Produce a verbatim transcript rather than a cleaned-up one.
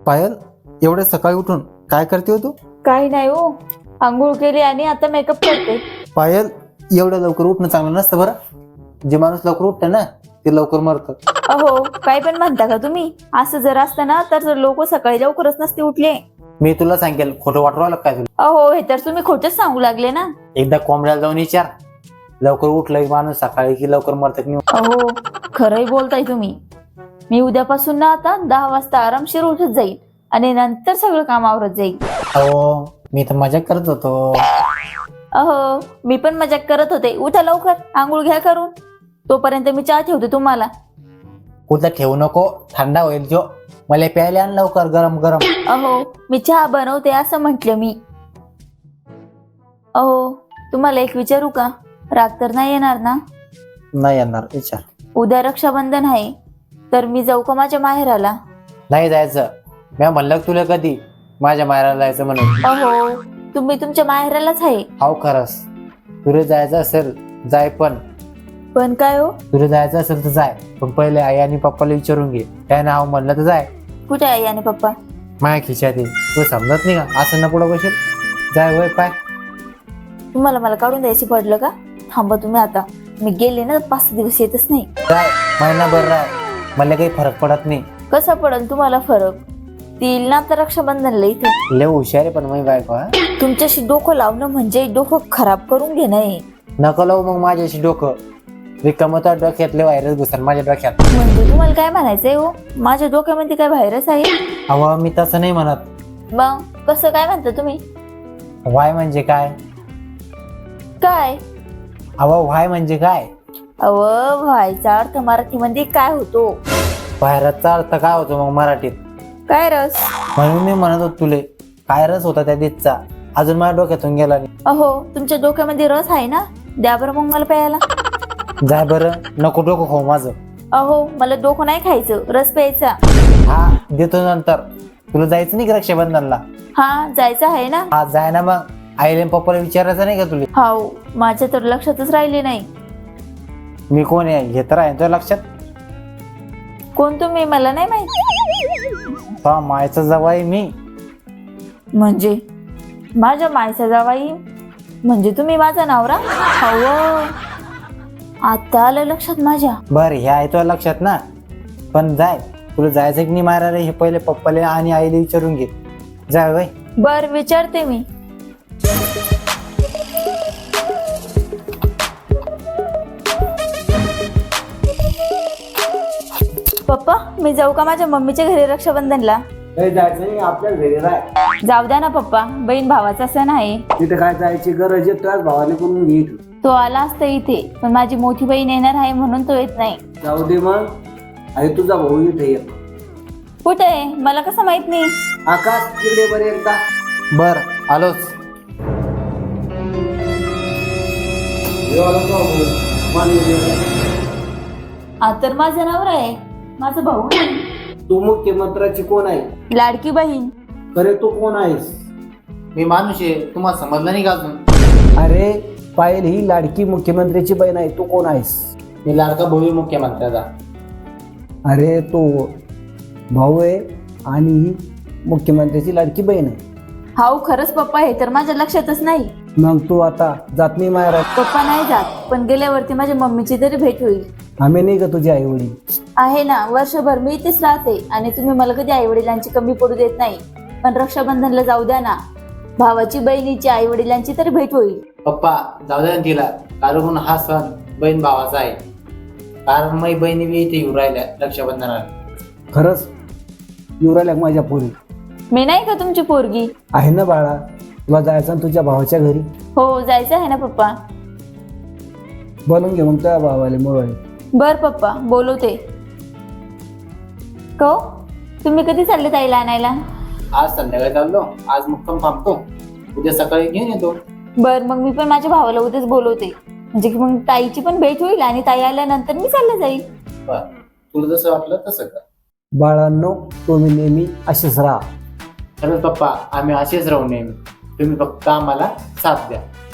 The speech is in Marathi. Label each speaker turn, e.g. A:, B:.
A: पायल, एवढे सकाळी उठून काय करते हो तू?
B: काही नाही हो, आंघोळ केली आणि आता मेकअप करते.
A: पायल, एवढं लवकर उठणं चांगलं नसतं बरं. जे माणूस लवकर उठतं ना ते लवकर मरतं.
B: अहो, काय पण म्हणता का तुम्ही? असं जर असतं ना तर लोक सकाळी लवकरच नसते उठले.
A: मी तुला सांगेल, खोटं वाटू राहिलं काय तुला?
B: अहो, हे तर तुम्ही खोटच सांगू लागले ना.
A: एकदा कोंबड्याला जाऊन विचार, लवकर उठलं माणूस सकाळी की लवकर मरत की नाही.
B: अहो, खरंय बोलताय तुम्ही. मी उद्यापासून ना आता दहा वाजता आरामशीर उठत जाईल आणि नंतर सगळं काम आवरत जाईल.
A: अहो, मी तर मजाक करत होतो.
B: अहो, मी पण मजाक करत होते. उठा लवकर, आंघोळ घ्या करून. तोपर्यंत मी चहा ठेवते तुम्हाला.
A: कुठं ठेवू नको, थंडा होईल जो. मला प्यायला आण लवकर, गरम गरम.
B: अहो, मी चहा बनवते असं म्हटलं मी. अहो, तुम्हाला एक विचारू का? राग तर नाही येणार ना?
A: नाही येणार, विचार.
B: उद्या रक्षाबंधन आहे, तर मी जाऊ का माझ्या माहेराला?
A: नाही जायचं. मी म्हणलं तुला कधी माझ्या माहेराला जायचं म्हणून.
B: अहो, तुम्ही तुमच्या माहेरालाच आहे.
A: हाव खरंच. तुला जायचं असेल जाय, पण
B: पण काय हो?
A: तुला जायचं असेल तर जाय, पण पहिले आई आणि पप्पाला विचारून घे. काय नाव म्हणलं तर जाय.
B: कुठे आहे आणि पप्पा?
A: माया खिशात आहे. तू समजत नाही का? असं ना पुढं बसेल. जाय वय पाय.
B: तुम्हाला मला काढून द्यायची पडलं का? थांबा तुम्ही आता. मी गेले ना पाच सहा दिवस येतच नाही.
A: जाय, महिनाभर राह. मला काही फरक पडत नाही.
B: कसा पडेल तुम्हाला फरक? ती येईल ना आता रक्षाबंधनला इथे.
A: लय हुशार आहे पण मी बायको. हा,
B: तुमच्याशी डोकं लावणं म्हणजे डोकं खराब करून घेणं आहे.
A: नको लावू मग माझ्याशी डोकं. रिकामता डोक्यातले व्हायरस घुसन माझ्या डोक्यात.
B: म्हणजे तुम्हाला काय म्हणायचंय हो? माझ्या डोक्यामध्ये काय व्हायरस आहे?
A: अहो, मी तसं नाही म्हणत.
B: मग कसं काय म्हणता तुम्ही?
A: वाय म्हणजे काय?
B: काय?
A: अहो, वाय म्हणजे काय?
B: अव व्हायचा अर्थ मराठीमध्ये काय होतो?
A: व्हायरसचा अर्थ काय होतो मग मराठीत?
B: काय रस?
A: म्हणून मी म्हणत होतो तुले, काय रस होता त्या दिसचा, अजून माझ्या डोक्यातून गेला नाही.
B: अहो, तुमच्या डोक्यामध्ये रस आहे ना? द्या बरं मग मला प्यायला.
A: जाय बरं, नको डोकं खाऊ माझं.
B: अहो, मला डोकं नाही खायचं, रस प्यायचा.
A: हा, देतो नंतर. तुला जायचं नाही का रक्षाबंधनला?
B: हा, जायचं आहे ना.
A: हा, जाय ना मग. आईले पप्पाला विचारायचं नाही का तुला?
B: हाव, माझ्या तर लक्षातच राहिले नाही.
A: मी कोण आहे हे तर आहे तुझ्या लक्षात?
B: कोण तुम्ही मला नाही माहिती.
A: हा, मायचा जवाई मी.
B: म्हणजे माझ्या मायचा जावाई म्हणजे तुम्ही माझा नवरा? हाव, आता आलं लक्षात माझ्या.
A: बर, हे आहे तुझ्या लक्षात ना? पण जाय, तुला जायचं की नाही मारायला हे पहिले पप्पाला आणि आईला विचारून घे. जाय बाई.
B: बर, विचारते मी. पप्पा, मी जाऊ का माझ्या मम्मीच्या घरी रक्षाबंधनला?
C: जायचं नाही, आपल्या घरी राह.
B: जाऊ द्या ना पप्पा, बहीण भावाचा सण आहे.
C: तिथे काय जायची गरज आहे? त्याच भावाने करून घे.
B: तो आला असता इथे, पण माझी मोठी बहीण येणार आहे म्हणून तो येत नाही.
C: जाऊ दे मग. अरे तुझा भाऊ इथे येतो.
B: कुठे आहे मला कसं माहित नाही?
C: आकाश, तिकडे बरे एकदा.
A: बर, आलोच.
B: हा तर माझा नवरा आहे, माझा भाऊ नाही.
C: तू मुख्यमंत्र्याची कोण आहे?
B: लाडकी बहीण.
C: अरे तू कोण आहेस?
A: मी माणूस आहे, तुम्हाला समजलं नाही का अजून?
C: अरे पायल ही लाडकी मुख्यमंत्र्याची बहीण आहे. तू कोण आहेस?
A: मी लाडका भाऊ मुख्यमंत्र्याचा.
C: अरे तो भाऊ आहे आणि ही मुख्यमंत्र्याची लाडकी बहीण आहे.
B: हाऊ, खरंच पप्पा, हे तर माझ्या लक्षातच नाही.
C: मग तू आता जात नाही माहेरात?
B: पप्पा नाही जात, पण गेल्यावरती माझ्या मम्मीची तरी भेट होईल.
C: आम्ही नाही का तुझे आई वडील?
B: आहे ना, वर्षभर मी इथेच राहते आणि तुम्ही मला कधी आई वडिलांची कमी पडू देत नाही. पण रक्षाबंधनला जाऊ द्या ना, भावाची बहिणीची आई वडिलांची तरी भेट होईल.
A: पप्पा, जाऊ द्या ना तिला, कारण हा सण बहीण भावाचा आहे. कारण माझी बहिणी बी इथे येऊ राहिल्या रक्षाबंधनाला.
C: खरंच येऊ राहिल्या माझ्या पोरी?
B: मी नाही का तुमची पोरगी?
C: आहे ना बाळा, तुला जायचं ना तुझ्या भावाच्या घरी?
B: हो, जायचं आहे ना पप्पा.
C: बोलून घे मग तुझ्या भावाले मुरवाळे.
B: बर पप्पा, बोलवते. को तुम्ही कधी चालले ताईला आणायला?
A: आज संध्याकाळी चाललो, आज मुक्काम थांबतो, उद्या सकाळी घेऊन येतो.
B: बर, मग मी पण माझ्या भावाला उद्याच बोलवते, म्हणजे की मग ताईची पण भेट होईल आणि ताई आल्यानंतर मी चालले जाईल.
A: बर, तुला जसं वाटलं तसं कर.
C: बाळांनो, तुम्ही नेहमी असेच राहा.
A: खरंच पप्पा, आम्ही असेच राहू नेहमी. तुम्ही फक्त आम्हाला साथ द्या.